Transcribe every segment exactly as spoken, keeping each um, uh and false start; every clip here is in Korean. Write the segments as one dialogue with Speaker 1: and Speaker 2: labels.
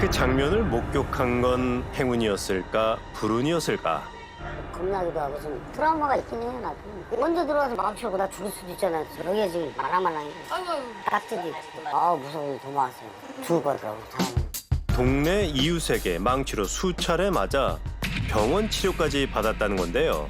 Speaker 1: 그 장면을 목격한 건 행운이었을까 불운이었을까.
Speaker 2: 겁나기도 하고 좀 트라우마가 있긴 해요. 나도. 먼저 들어와서 마음치고 나 죽을 수도 있잖아요. 여기가 지금 말랑말랑해. 딱지도 있고. 아 무서워. 도망왔어요. 죽을 거더라고. 사람은.
Speaker 1: 동네 이웃에게 망치로 수차례 맞아 병원 치료까지 받았다는 건데요.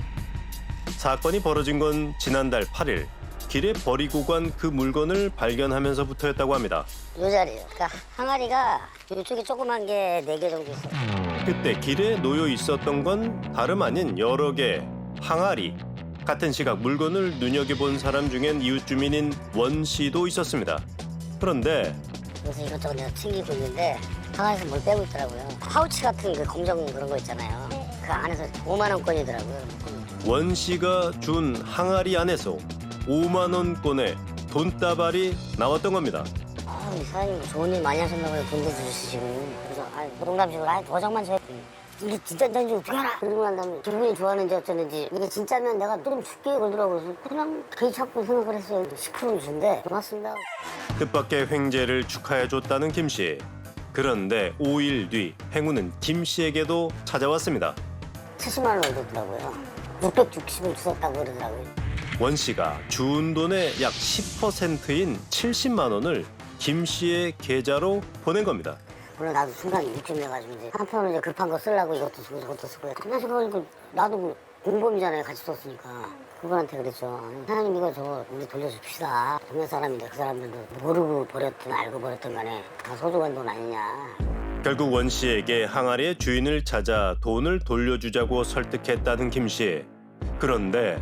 Speaker 1: 사건이 벌어진 건 지난달 팔 일. 길에 버리고 간 그 물건을 발견하면서부터였다고 합니다.
Speaker 2: 요 자리요. 그러니까 항아리가 이쪽에 조그만 게 네 개 정도 있어요.
Speaker 1: 그때 길에 놓여 있었던 건 다름 아닌 여러 개 항아리. 같은 시각 물건을 눈여겨본 사람 중엔 이웃 주민인 원 씨도 있었습니다. 그런데
Speaker 2: 그래서 이것저것 내가 챙기고 있는데 항아리에서 뭘 빼고 있더라고요. 파우치 같은 그 검정 그런 거 있잖아요. 그 안에서 오만 원권이더라고요.
Speaker 1: 원 씨가 준 항아리 안에서 오만 원권의 돈다발이 나왔던 겁니다.
Speaker 2: 아, 이 사장님 좋은 일 많이 하셨나 봐요. 돈도 주시고. 그래서 아, 농담식으로 아, 도장만 줘요. 이게 진짜인지 어떻게 알아? 그러고 난 다음에 기분이 좋았는지 어쩌는지 이게 진짜면 내가 좀 줄게 그러더라고요. 그래서 그냥 개인 찾고 생각을 했어요. 십 퍼센트 준대. 고맙습니다.
Speaker 1: 뜻밖의 횡재를 축하해줬다는 김 씨. 그런데 오 일 뒤 행운은 김 씨에게도 찾아왔습니다.
Speaker 2: 칠십만 원을 줬더라고요. 육백육십을 주셨다고 그러더라고요.
Speaker 1: 원 씨가 준 돈의 약 십 퍼센트인 칠십만 원을 김 씨의 계좌로 보낸 겁니다.
Speaker 2: 물론 나도 순간 입금해가지고 이제 한편으로 이제 급한 거 쓰려고 이것도 쓰고 저것도 쓰고 그래서 그거 나도 뭐 공범이잖아요. 같이 썼으니까. 그분한테 그랬죠. 사장님 이거 저 우리 돌려줍시다. 동네 사람인데 그 사람들도 모르고 버렸든 알고 버렸든 간에 다 소중한 돈 아니냐.
Speaker 1: 결국 원 씨에게 항아리의 주인을 찾아 돈을 돌려주자고 설득했다는 김 씨. 그런데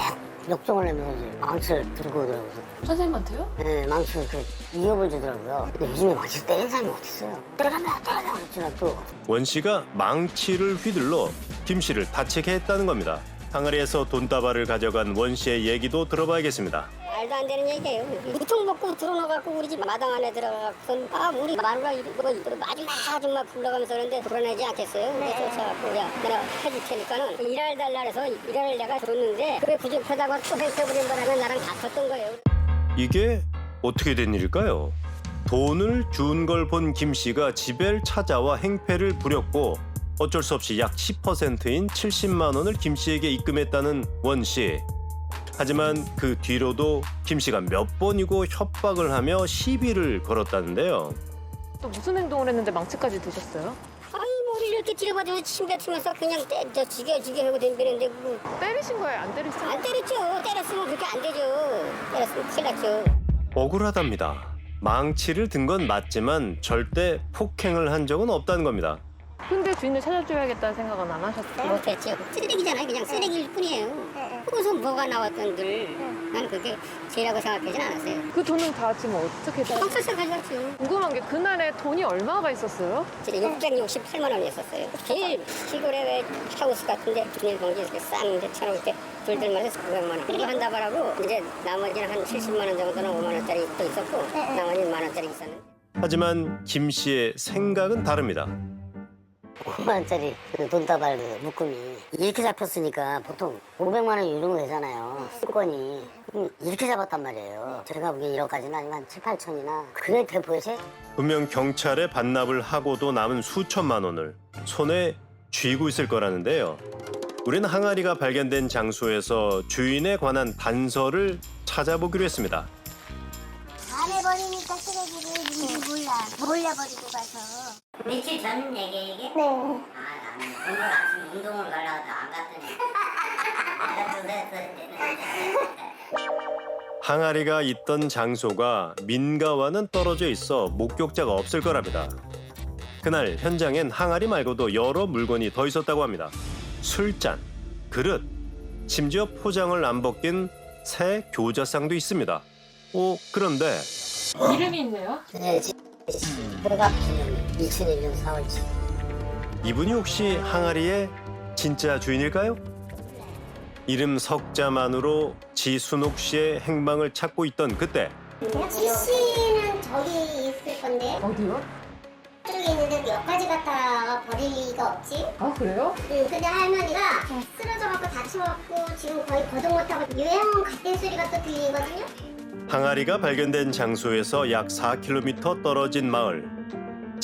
Speaker 2: 역정을 내면서 이제 망치를 들고 오더라고요.
Speaker 3: 선생님한테요?
Speaker 2: 네, 망치를 그 위협을 주더라고요. 근데 요즘에 망치 때리는 사람이 어딨어요. 때려간다, 때려간다 그랬지만 또
Speaker 1: 원 씨가 망치를 휘둘러 김 씨를 다치게 했다는 겁니다. 항아리에서 돈다발을 가져간 원 씨의 얘기도 들어봐야겠습니다.
Speaker 2: 말도 안 되는 얘기예요. 이총 먹고 들어눠갖고 우리 집 마당 안에 들어가서 아 우리 마누라 이거 이거 마지막 아줌마 불러가면서 그러는데 불어내지 않겠어요? 근데 쫓아갖고 야 내가 해줄 테니까는 일할 달라 해서 일을 내가 줬는데 그게 부족하다고 또 hen쳐버린 바람에 나랑 다퉜던 거예요.
Speaker 1: 이게 어떻게 된 일일까요? 돈을 준 걸 본 김 씨가 집에 찾아와 행패를 부렸고 어쩔 수 없이 약 십 퍼센트인 칠십만 원을 김 씨에게 입금했다는 원 씨. 하지만 그 뒤로도 김 씨가 몇 번이고 협박을 하며 시비를 걸었다는데요.
Speaker 3: 또 무슨 행동을 했는데 망치까지 드셨어요?
Speaker 2: 아이 머리를 이렇게 찌르가지고 침 뱉으면서 그냥 때, 저 지게 지게 하고 덤비는데 그,
Speaker 3: 때리신 거예요? 안 때리셨어요?
Speaker 2: 안 때렸죠. 때렸으면 그렇게 안 되죠. 때렸으면 큰일 났죠.
Speaker 1: 억울하답니다. 망치를 든 건 맞지만 절대 폭행을 한 적은 없다는 겁니다.
Speaker 3: 근데 주인을 찾아줘야겠다는 생각은 안 하셨어요?
Speaker 2: 못했죠. 쓰레기잖아요. 그냥 쓰레기일 뿐이에요. 거기서 뭐가 나왔던들 나는 그게 죄라고 생각하진 않았어요.
Speaker 3: 그 돈은 다 지금 어떻게 다
Speaker 2: 경찰서 가져갔죠.
Speaker 3: 궁금한 게 그날에 돈이 얼마가 있었어요?
Speaker 2: 진짜 육백육십팔만 원이었어요. 제일 시골에 왜 하우스 같은데 비닐봉지에 싼데 쳐놓을 때 둘들만 해서 구백만 원. 그리고 한 다발하고 이제 나머지는 한 칠십만 원 정도는 오만 원짜리 또 있었고 나머지는 만 원짜리 있었는데.
Speaker 1: 하지만 김 씨의 생각은 다릅니다.
Speaker 2: 오만 원짜리 그 돈다발 그 묶음이 이렇게 잡혔으니까 보통 오백만 원 유령 되잖아요. 수건이 이렇게 잡았단 말이에요. 제가 보기엔 일억까지는 아니면 한 칠, 팔천이나 그게 대포에서
Speaker 1: 분명 경찰에 반납을 하고도 남은 수천만 원을 손에 쥐고 있을 거라는데요. 우리는 항아리가 발견된 장소에서 주인에 관한 단서를 찾아보기로 했습니다.
Speaker 4: 안 해버리니까 쓰레기를 누군지 몰라. 몰려버리고 가서.
Speaker 2: 며칠 전 얘기 이게?
Speaker 4: 네.
Speaker 2: 아 나는 오늘 아침 운동을 가려고 안 갔더니
Speaker 1: 항아리가 있던 장소가 민가와는 떨어져 있어 목격자가 없을 거랍니다. 그날 현장엔 항아리 말고도 여러 물건이 더 있었다고 합니다. 술잔, 그릇, 심지어 포장을 안 벗긴 새 교자상도 있습니다. 오, 그런데
Speaker 3: 이름이 있네요?
Speaker 2: 네, 호갑 기념 이천일 년 사월 칠 일.
Speaker 1: 이분이 혹시 항아리의 진짜 주인일까요? 이름 석자만으로 지순옥 씨의 행방을 찾고 있던 그때
Speaker 4: 지 씨는 저기 있을 건데.
Speaker 3: 어디요?
Speaker 4: 저기 있는데 여기까지 갖다 버릴 리가 없지.
Speaker 3: 아 그래요?
Speaker 4: 응, 근데 할머니가 쓰러져갖고 다쳐갖고 지금 거의 거동 못하고 요양 갓된 소리가 또 들리거든요.
Speaker 1: 항아리가 발견된 장소에서 약 사 킬로미터 떨어진 마을.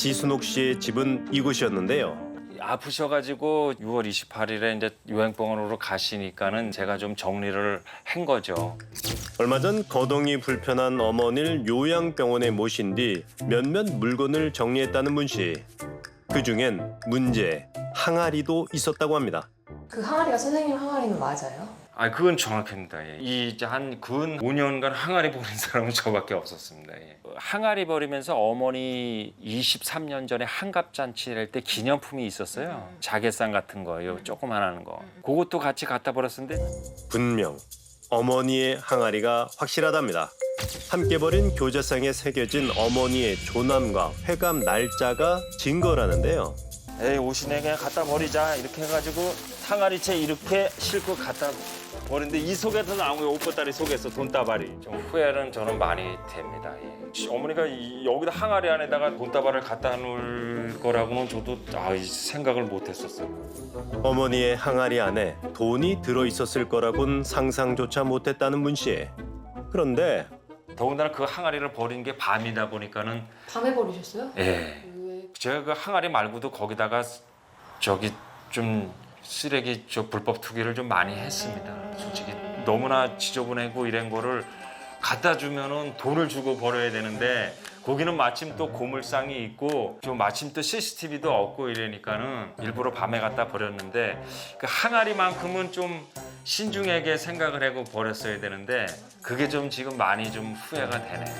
Speaker 1: 지순옥 씨의 집은 이곳이었는데요.
Speaker 5: 아프셔가지고 유월 이십팔일에 이제 요양병원으로 가시니까는 제가 좀 정리를 한 거죠.
Speaker 1: 얼마 전 거동이 불편한 어머니를 요양병원에 모신 뒤 몇몇 물건을 정리했다는 문 씨. 그중엔 문제, 항아리도 있었다고 합니다.
Speaker 3: 그 항아리가 선생님 항아리는 맞아요?
Speaker 5: 아, 그건 정확합니다. 예. 이 이제 한근 오 년간 항아리 버린 사람은 저밖에 없었습니다. 예. 항아리 버리면서 어머니 이십삼 년 전에 한갑잔치를 할 때 기념품이 있었어요. 자개상 같은 거요, 조그만한 거. 그것도 같이 갖다 버렸었는데
Speaker 1: 분명 어머니의 항아리가 확실하답니다. 함께 버린 교재상에 새겨진 어머니의 조남과 회감 날짜가 증거라는데요.
Speaker 5: 에이, 옷이네 그냥 갖다 버리자 이렇게 해가지고 항아리채 이렇게 싣고 갖다 버리는데 이 속에서 나온 거예요. 옷보따리 속에서 돈다발이. 좀 후회는 저는 많이 됩니다. 예. 어머니가 이, 여기다 항아리 안에다가 돈다발을 갖다 놓을 거라고는 저도 아, 생각을 못 했었어요.
Speaker 1: 어머니의 항아리 안에 돈이 들어있었을 거라곤 상상조차 못했다는 문 씨. 그런데
Speaker 5: 더군다나 그 항아리를 버린 게 밤이다 보니까는
Speaker 3: 밤에 버리셨어요?
Speaker 5: 예. 제가 그 항아리 말고도 거기다가 저기 좀 쓰레기 저 불법 투기를 좀 많이 했습니다. 솔직히 너무나 지저분하고 이런 거를 갖다 주면은 돈을 주고 버려야 되는데 거기는 마침 또 고물상이 있고 좀 마침 또 씨씨티비도 없고 이러니까는 일부러 밤에 갖다 버렸는데 그 항아리만큼은 좀 신중하게 생각을 하고 버렸어야 되는데 그게 좀 지금 많이 좀 후회가 되네요.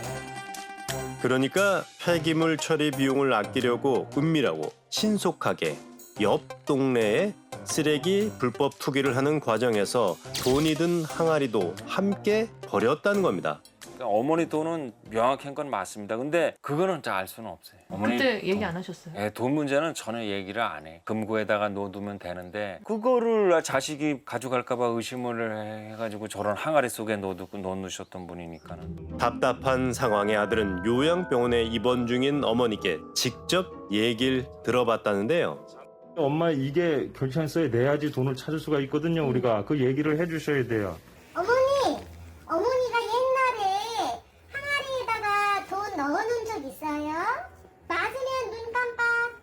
Speaker 1: 그러니까 폐기물 처리 비용을 아끼려고 은밀하고 신속하게 옆 동네에 쓰레기 불법 투기를 하는 과정에서 돈이 든 항아리도 함께 버렸다는 겁니다.
Speaker 5: 그러니까 어머니 돈은 명확한 건 맞습니다. 근데 그거는 잘 알 수는 없어요. 어머니
Speaker 3: 그때 얘기 안 하셨어요?
Speaker 5: 예, 돈 문제는 전혀 얘기를 안 해. 금고에다가 넣어두면 되는데 그거를 자식이 가져갈까 봐 의심을 해가지고 저런 항아리 속에 넣어두고 넣어놓으셨던 분이니까는.
Speaker 1: 답답한 상황에 아들은 요양병원에 입원 중인 어머니께 직접 얘기를 들어봤다는데요.
Speaker 6: 엄마 이게 결제서에 내야지 돈을 찾을 수가 있거든요. 우리가 그 얘기를 해주셔야 돼요.
Speaker 4: 어머니, 어머니가 옛날에 항아리에다가 돈 넣어놓은 적 있어요? 맞으면 눈 깜빡.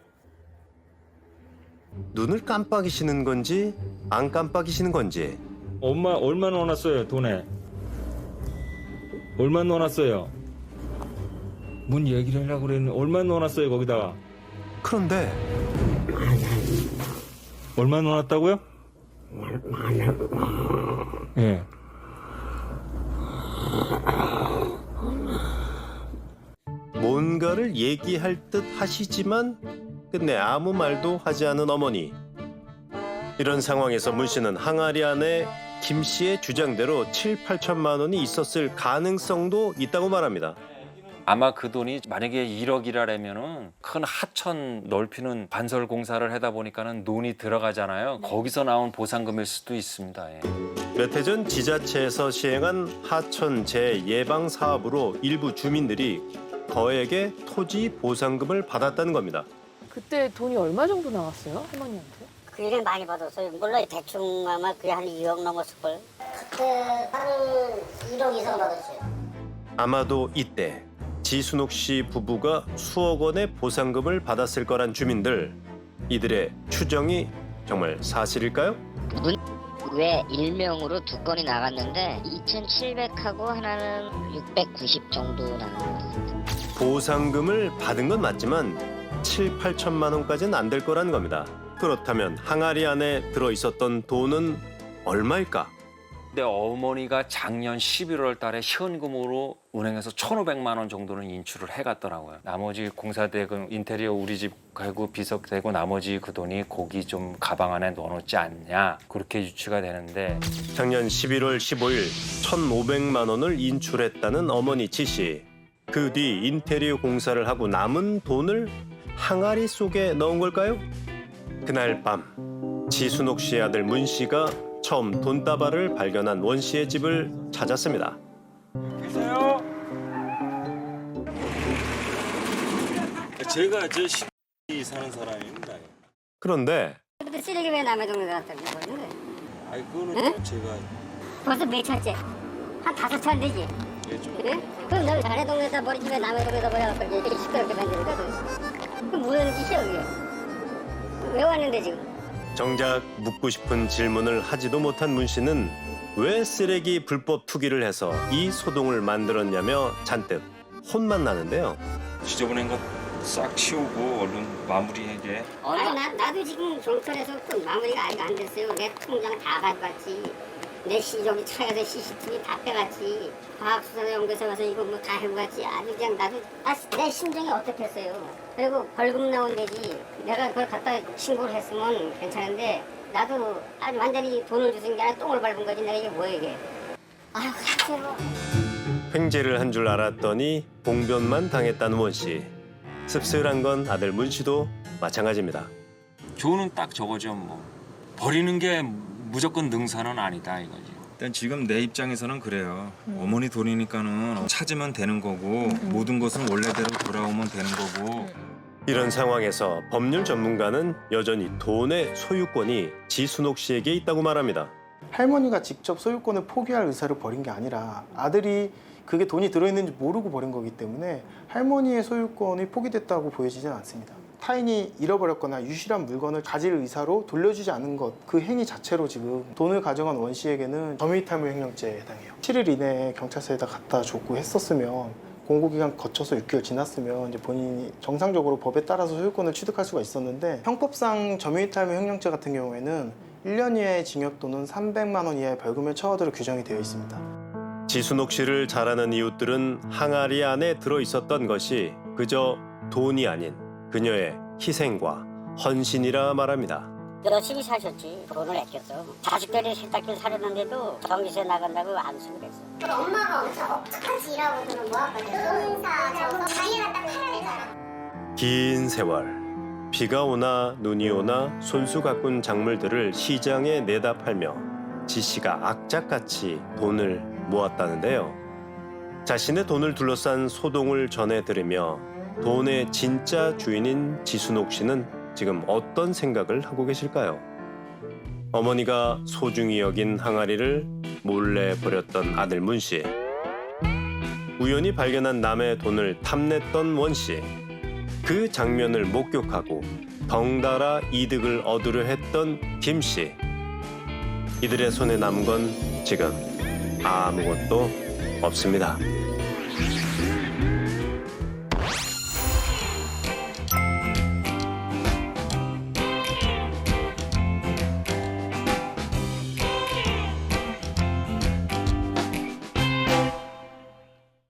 Speaker 1: 눈을 깜빡이시는 건지 안 깜빡이시는 건지.
Speaker 6: 엄마 얼마 넣어놨어요 돈에? 얼마 넣어놨어요? 뭔 얘기를 하려고 그랬는데 얼마 넣어놨어요 거기다가?
Speaker 1: 그런데
Speaker 6: 얼마 넣어놨다고요? 예.
Speaker 1: 뭔가를 얘기할 듯 하시지만 끝내 아무 말도 하지 않은 어머니. 이런 상황에서 문 씨는 항아리 안에 김 씨의 주장대로 칠, 팔천만 원이 있었을 가능성도 있다고 말합니다.
Speaker 5: 아마 그 돈이 만약에 일억이라면은 큰 하천 넓히는 반설 공사를 하다 보니까는 돈이 들어가잖아요. 거기서 나온 보상금일 수도 있습니다. 예.
Speaker 1: 몇 해 전 지자체에서 시행한 하천 재예방 사업으로 일부 주민들이 거액의 토지 보상금을 받았다는 겁니다.
Speaker 3: 그때 돈이 얼마 정도 나왔어요? 할머니한테?
Speaker 2: 그 일에 많이 받았어요. 몰라 대충 아마 그게 한 이억 넘었을걸.
Speaker 4: 그때 한 일억 이상 받았어요.
Speaker 1: 아마도 이때 지순옥 씨 부부가 수억 원의 보상금을 받았을 거란 주민들. 이들의 추정이 정말 사실일까요?
Speaker 7: 왜 일명으로 두 건이 나갔는데 이천칠백하고 하나는 육백구십 정도 나는 것 같습니다.
Speaker 1: 보상금을 받은 건 맞지만 칠, 팔천만 원까지는 안 될 거라는 겁니다. 그렇다면 항아리 안에 들어있었던 돈은 얼마일까?
Speaker 5: 근데 어머니가 작년 십일월 달에 현금으로 은행에서 천오백만 원 정도는 인출을 해갔더라고요. 나머지 공사대금, 인테리어 우리 집 가구 비석대고 나머지 그 돈이 거기 좀 가방 안에 넣어놓지 않냐 그렇게 유추가 되는데
Speaker 1: 작년 십일월 십오일 천오백만 원을 인출했다는 어머니 지 씨. 그 뒤 인테리어 공사를 하고 남은 돈을 항아리 속에 넣은 걸까요? 그날 밤 지순옥 씨의 아들 문 씨가 처음 돈다발을 발견한 원 씨의 집을 찾았습니다.
Speaker 6: 계세요? 제가 저 시 사는 사람입니다.
Speaker 2: 그런데 쓰레기 왜 남의 동네 갖다 버리는
Speaker 6: 아니 그거는
Speaker 2: 응?
Speaker 6: 제가
Speaker 2: 벌써 몇 차째? 한 다섯 차안 되지? 그래? 그럼 널 자네 동네에다 버리지 왜 남의 동네에다 버려갖고 이렇게 시끄럽게 만드니까 그럼 뭐라는 짓이야 그게? 왜 왔는데 지금?
Speaker 1: 정작 묻고 싶은 질문을 하지도 못한 문 씨는 왜 쓰레기 불법 투기를 해서 이 소동을 만들었냐며 잔뜩 혼만 나는데요.
Speaker 5: 지저분한 거 싹 치우고 얼른 마무리하게.
Speaker 2: 아니 나, 나도 지금 경찰에서 또 마무리가 아직 안 됐어요. 내 통장 다 가져갔지. 내 시, 여기 차에서 씨씨티비 다 빼갔지. 과학수사 연구소 가서 이거 뭐 다 해보갔지. 아주 그냥 나도 아, 내 심정이 어떻겠어요. 그리고 벌금 나온 데지. 내가 그걸 갖다 신고를 했으면 괜찮은데 나도 아주 완전히 돈을 주신 게 아니라 똥을 밟은 거지. 내가 이게 뭐야 이게. 아유 그냥
Speaker 1: 횡재를 한 줄 알았더니 봉변만 당했다는 원 씨. 씁쓸한 건 아들 문 씨도 마찬가지입니다.
Speaker 5: 교훈은 딱 저거죠 뭐. 버리는 게 무조건 능사는 아니다 이거지. 일단 지금 내 입장에서는 그래요. 어머니 돈이니까는 찾으면 되는 거고 모든 것은 원래대로 돌아오면 되는 거고.
Speaker 1: 이런 상황에서 법률 전문가는 여전히 돈의 소유권이 지순옥 씨에게 있다고 말합니다.
Speaker 8: 할머니가 직접 소유권을 포기할 의사를 버린 게 아니라 아들이 그게 돈이 들어있는지 모르고 버린 거기 때문에 할머니의 소유권이 포기됐다고 보여지진 않습니다. 타인이 잃어버렸거나 유실한 물건을 가질 의사로 돌려주지 않은 것, 그 행위 자체로 지금 돈을 가져간 원 씨에게는 점유이탈물 횡령죄에 해당해요. 칠 일 이내에 경찰서에다 갖다 줬고 했었으면 공고기간 거쳐서 육 개월 지났으면 이제 본인이 정상적으로 법에 따라서 소유권을 취득할 수가 있었는데 형법상 점유이탈물 횡령죄 같은 경우에는 일 년 이하의 징역 또는 삼백만 원 이하의 벌금을 처하도록 규정이 되어 있습니다.
Speaker 1: 지순옥 씨를 잘 아는 이웃들은 항아리 안에 들어있었던 것이 그저 돈이 아닌 그녀의 희생과 헌신이라 말합니다.
Speaker 2: 열심히 사셨지. 돈을 아꼈어. 자식들이 세탁기 사려는데도 전기세 나간다고 안 쓰고 그랬어.
Speaker 4: 그럼 엄마가 엄청 억척하지 일하고 그러면 뭐하거든? 농사 저거 자기가 딱 팔아야 되잖아.
Speaker 1: 긴 세월 비가 오나 눈이 오나 손수 가꾼 작물들을 시장에 내다 팔며 지 씨가 악착같이 돈을 모았다는데요. 자신의 돈을 둘러싼 소동을 전해 들으며 돈의 진짜 주인인 지순옥 씨는 지금 어떤 생각을 하고 계실까요? 어머니가 소중히 여긴 항아리를 몰래 버렸던 아들 문 씨. 우연히 발견한 남의 돈을 탐냈던 원 씨. 그 장면을 목격하고 덩달아 이득을 얻으려 했던 김 씨. 이들의 손에 남은 건 지금 아무것도 없습니다.